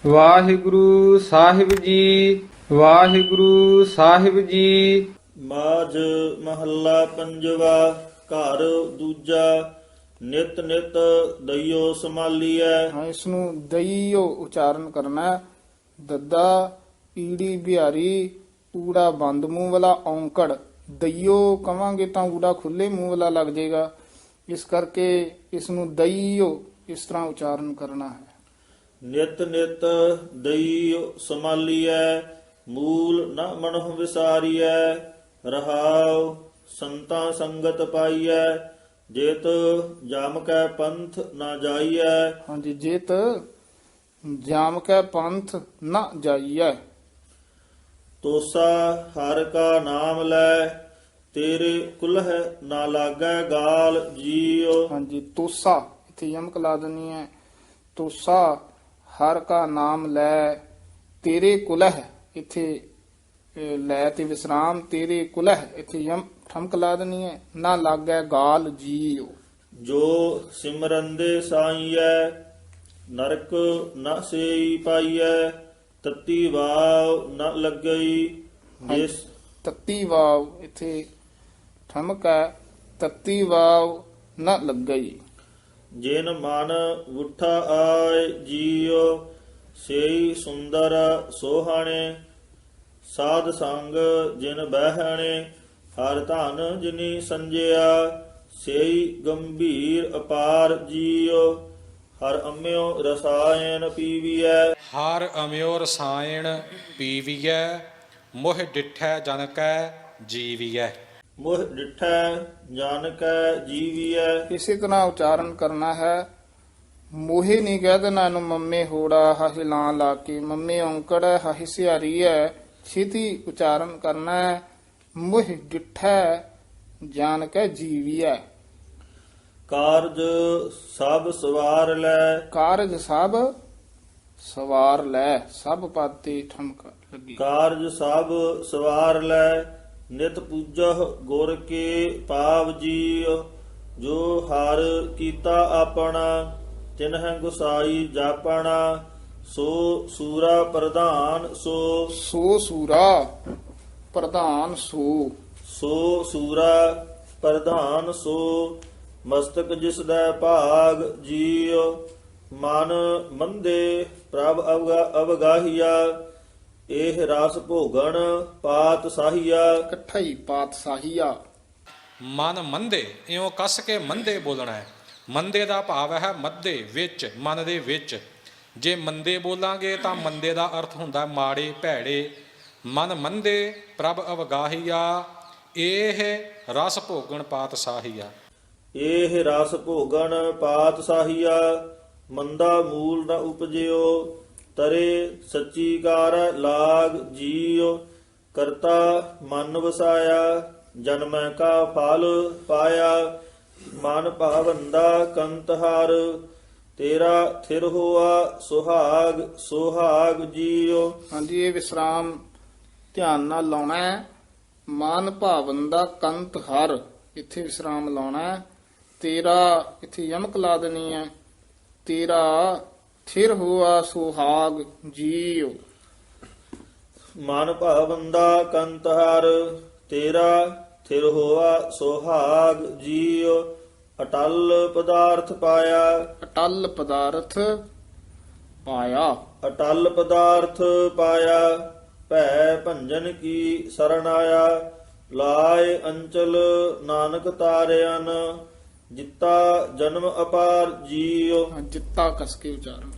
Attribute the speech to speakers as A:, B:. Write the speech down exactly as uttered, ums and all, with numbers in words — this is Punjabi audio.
A: ਵਾਹਿਗੁਰੂ ਸਾਹਿਬ ਜੀ, ਵਾਹਿਗੁਰੂ ਸਾਹਿਬ ਜੀ।
B: ਮਾਝ ਮਹੱਲਾ ਪੰਜਵਾ। ਘਰ ਦੂਜਾ। ਨਿਤ ਨਿਤ ਦਈਓ ਸੰਭਾਲੀਐ।
C: ਹਾਂ, ਇਸ ਨੂੰ ਦਈਓ ਉਚਾਰਨ ਕਰਨਾ ਹੈ। ਦੱਦਾ ਈੜੀ ਬਿਹਾਰੀ ਊੜਾ ਬੰਦ ਮੂੰਹ ਵਾਲਾ ਔਂਕੜ। ਦਈਓ ਕਵਾਂਗੇ ਤਾਂ ਊੜਾ ਖੁੱਲੇ ਮੂੰਹ ਵਾਲਾ ਲੱਗ ਜਾਏਗਾ, ਇਸ ਕਰਕੇ ਇਸ ਨੂੰ ਦਈਓ ਇਸ ਤਰ੍ਹਾਂ ਉਚਾਰਨ ਕਰਨਾ ਹੈ।
B: ਨਿਤ ਨਿਤ ਦਈਓ ਸੰਭਾਲੀਐ। ਮੂਲ ਨ ਮਨਹੁ ਵਿਸਾਰੀਐ। ਰਹਾਉ ਸੰਤਾਂ ਸੰਗਤ ਪਾਈਐ। ਜੇਤ ਜਮ ਕੈ ਪੰਥ ਨਾ ਜਾਈਐ।
C: ਹਾਂਜੀ, ਜੇਤ ਜਾਮ ਕੈ ਪੰਥ ਨਾ ਜਾਈਐ।
B: ਤੋਸਾ ਹਰ ਕਾ ਨਾਮ ਲੈ। ਤੇਰੇ ਕੁਲਹਿ ਨਾ ਲਾਗੈ ਗਾਲ ਜੀਉ।
C: ਹਾਂਜੀ, ਤੋਸਾ ਇੱਥੇ ਯਮਕ ਲਾ ਦੇਣੀ ਹੈ। ਤੋਸਾ ਹਰ ਕਾ ਨਾਮ ਲੈ। ਤੇਰੇ ਕੁਲਹਿ ਇੱਥੇ ਅਹ, ਲੈ ਤੇ ਵਿਸਰਾਮ। ਤੇਰੇ ਕੁਲਹਿ ਇੱਥੇ ਯਮ ਠਮਕ ਲਾ ਦੇਣੀ ਹੈ। ਨਾ ਲਾਗੈ ਗਾਲ ਜੀਉ।
B: ਜੋ ਸਿਮਰੰਦੇ ਸਾਈਐ। ਨਰਕ ਨ ਸੇਈ ਪਾਈਐ। ਤਤੀ ਵਾਵ ਨ ਲੱਗਈ। ਜਿਸ
C: ਤੱਤੀ ਵਾਵ ਇੱਥੇ ਠਮਕ ਹੈ। ਤੱਤੀ ਵਾਵ ਨ ਲੱਗਈ।
B: ਜਿਨ ਮਨ ਉਠਾ ਆਏ ਜੀਉ। ਸੇਈ ਸੁੰਦਰ ਸੋਹਾਣੇ। ਸਾਧ ਸੰਗ ਜਿਨ ਬਹਿਣੇ। ਹਰ ਧਨ ਜਿਨੀ ਸੰਜਿਆ। ਸੇਈ ਗੰਭੀਰ ਅਪਾਰ ਜੀਉ। ਹਰ ਅੰਮਿਓ ਰਸਾਇਣ ਪੀਵੀਐ।
D: ਹਰ ਅਮਿਓ ਰਸਾਇਣ ਪੀਵੀਐ। ਮੋਹ ਡਿਠੈ ਜਨ ਕੈ ਜੀਵੀਐ।
B: ਮੁਹ ਡਿਠੈ ਜਨ ਕੈ ਜੀਵੀਐ।
C: ਇਸੇ ਤਰ੍ਹਾਂ ਉਚਾਰਨ ਕਰਨਾ ਹੈ। ਮੋਹੇ ਨਹੀਂ ਕਹਿ ਦੇਣਾ ਇਹਨੂੰ ਮੰਮੇ ਹੋੜਾ ਹਾਹੇ ਲਾਂ ਲਾ ਕੇ। ਮੰਮੇ ਔਂਕੜ ਹੈ, ਹਾਹੇ ਸਿਹਾਰੀ ਹੈ। ਛੇਤੀ ਉਚਾਰਨ ਕਰਨਾ ਹੈ। ਮੁਹ ਡਿਠੈ ਜਾਨ ਕੈ ਜੀਵੀਐ।
B: ਕਾਰਜ ਸਭ ਸਵਾਰ ਲੈ।
C: ਕਾਰਜ ਸਭ ਸਵਾਰ ਲੈ। ਸਭ ਪਦ ਤੇ ਠਮਕ ਲੱਗੀ।
B: ਕਾਰਜ ਸਭ ਸਵਾਰ ਲੈ। ਨਿਤ ਪੂਜਹ ਗੁਰ ਕੇ ਪਾਵ ਜੀਉ। ਜੋ ਹਰ ਕੀਤਾ ਆਪਣਾ। ਤਿਨਹਿ ਗੁਸਾਈ ਜਾਪਣਾ। ਸੋ ਸੂਰਾ ਪ੍ਰਧਾਨ ਸੋ।
C: ਸੋ ਸੂਰਾ ਪ੍ਰਧਾਨ ਸੋ।
B: ਸੋ ਸੂਰਾ ਪ੍ਰਧਾਨ ਸੋ। ਮਸਤਕ ਜਿਸ ਦਾ ਭਾਗ ਜੀਉ। ਮਨ ਮੰਦੇ ਪ੍ਰਭ ਅਵਗਾ- ਅਵਗਾਹੀਆ। ਇਹ ਰਸ ਭੋਗਣ ਪਾਤ ਸਾਹੀਆ।
C: ਇਕੱਠਾ ਹੀ ਪਾਤਸ਼ਾਹੀਆ।
D: ਮਨ ਮੰਦੇ ਇਉਂ ਕੱਸ ਕੇ ਮੰਦੇ ਬੋਲਣਾ ਹੈ। ਮੰਦੇ ਦਾ ਭਾਵ ਹੈ ਮੱਧੇ ਵਿੱਚ, ਮਨ ਦੇ ਵਿੱਚ। ਜੇ ਮੰਦੇ ਬੋਲਾਂਗੇ ਤਾਂ ਮੰਦੇ ਦਾ ਅਰਥ ਹੁੰਦਾ ਮਾੜੇ ਭੈੜੇ। ਮਨ ਮੰਦੇ ਪ੍ਰਭ ਅਵਗਾਹੀਆ। ਇਹ ਰਸ ਭੋਗਣ ਪਾਤਸ਼ਾਹੀਆ।
B: ਇਹ ਰਸ ਭੋਗਣ ਪਾਤ ਸਾਹੀਆ। ਮੰਦਾ ਮੂਲ ਨ ਉਪਜਿਓ। ਤਰੇ ਸੱਚੀ ਕਾਰ ਲਾਗ ਜੀਉ। ਕਰਤਾ ਮਨ ਵਸਾਇਆ। ਜਨਮੈ ਕਾ ਫਲ ਪਾਇਆ। ਮਨ ਭਾਵੰਦਾ ਕੰਤਹਾਰ। ਤੇਰਾ ਥਿਰ ਹੋਆ ਸੁਹਾਗ ਸੁਹਾਗ ਜੀਉ।
C: ਹਾਂਜੀ, ਇਹ ਵਿਸਰਾਮ ਧਿਆਨ ਨਾਲ ਲਾਉਣਾ ਹੈ। ਮਨ ਭਾਵਨ ਦਾ ਕੰਤ ਹਰ ਇੱਥੇ ਵਿਸਰਾਮ ਲਾਉਣਾ ਹੈ। ਤੇਰਾ ਇੱਥੇ ਯਮਕ ਲਾ ਦੇਣੀ ਹੈ। ਤੇਰਾ ਥਿਰ ਹੋਆ ਸੁਹਾਗ ਜੀਉ।
B: ਮਨ ਭਾਵੰਦਾ ਕੰਤਹਾਰ। ਤੇਰਾ ਥਿਰ ਹੋਆ ਸੁਹਾਗ ਜੀਉ। ਅਟਲ ਪਦਾਰਥ ਪਾਇਆ।
C: ਅਟਲ ਪਦਾਰਥ ਪਾਇਆ।
B: ਅਟਲ ਪਦਾਰਥ ਪਾਇਆ। ਭੈ ਭੰਜਨ ਕੀ ਸਰਣ ਆਇਆ। ਲਾਏ ਅੰਚਲ ਨਾਨਕ ਤਾਰਿਆਨ। ਜਿੱਤਾ ਜਨਮ ਅਪਾਰ ਜੀਉ।
C: ਜਿੱਤਾ ਕਸ ਕੇ ਉਚਾਰਨ।